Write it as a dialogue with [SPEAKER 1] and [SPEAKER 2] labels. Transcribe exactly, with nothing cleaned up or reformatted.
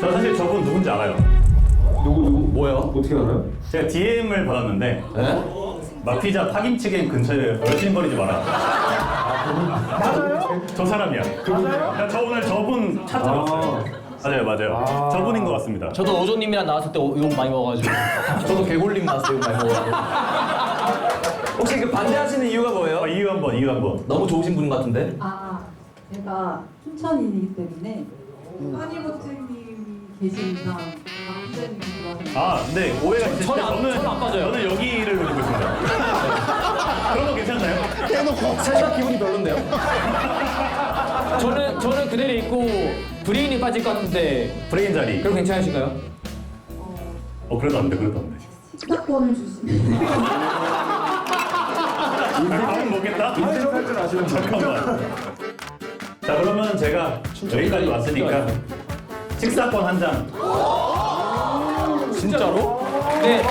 [SPEAKER 1] 저 사실 저분 누군지 알아요.
[SPEAKER 2] 누구 누구?
[SPEAKER 3] 뭐야?
[SPEAKER 2] 어떻게 알아요?
[SPEAKER 1] 제가 디엠을 받았는데
[SPEAKER 3] 네?
[SPEAKER 1] 마피자 파김치갱 근처에 얼씬거리지 마라.
[SPEAKER 2] 맞아요?
[SPEAKER 1] 저 사람이야.
[SPEAKER 2] 맞아요?
[SPEAKER 1] 나 저 오늘 저분 차 들었어요. 맞아요, 맞아요.
[SPEAKER 2] 아.
[SPEAKER 1] 저분인 것 같습니다.
[SPEAKER 3] 저도 오조님이랑 나왔을 때 욕 많이 먹어가지고. 저도 개골림 나왔을 때 욕 많이 먹어가지고.
[SPEAKER 4] 혹시 그 반대하시는 이유가 뭐예요?
[SPEAKER 1] 어, 이유 한번, 이유 한번.
[SPEAKER 3] 너무 좋으신 분 같은데?
[SPEAKER 5] 아, 제가 춘천인이기 때문에 허니버튼님이 계신 이상 남자님이 좋아하는
[SPEAKER 1] 아, 네, 오해가 있으실 때
[SPEAKER 3] 저는 안-
[SPEAKER 1] 저는
[SPEAKER 3] 저는 안 빠져요.
[SPEAKER 1] 저는 여기를 노리고 있습니다. 그런 거 괜찮나요?
[SPEAKER 3] 살짝 기분이 별론데요? 저는 저는 그대로 있고 브레인이 빠질 것 같은데
[SPEAKER 1] 브레인 자리.
[SPEAKER 3] 그럼 괜찮으신가요?
[SPEAKER 1] 어, 그래도 안 돼, 그래도 안 돼.
[SPEAKER 5] 식사권을 주시면
[SPEAKER 1] 밥은 먹겠다?
[SPEAKER 2] 인생 탈줄 아시는 분.
[SPEAKER 1] 잠깐만. 자, 그러면 제가 여기까지 왔으니까 식사권 한 장.
[SPEAKER 3] 진짜로? 네.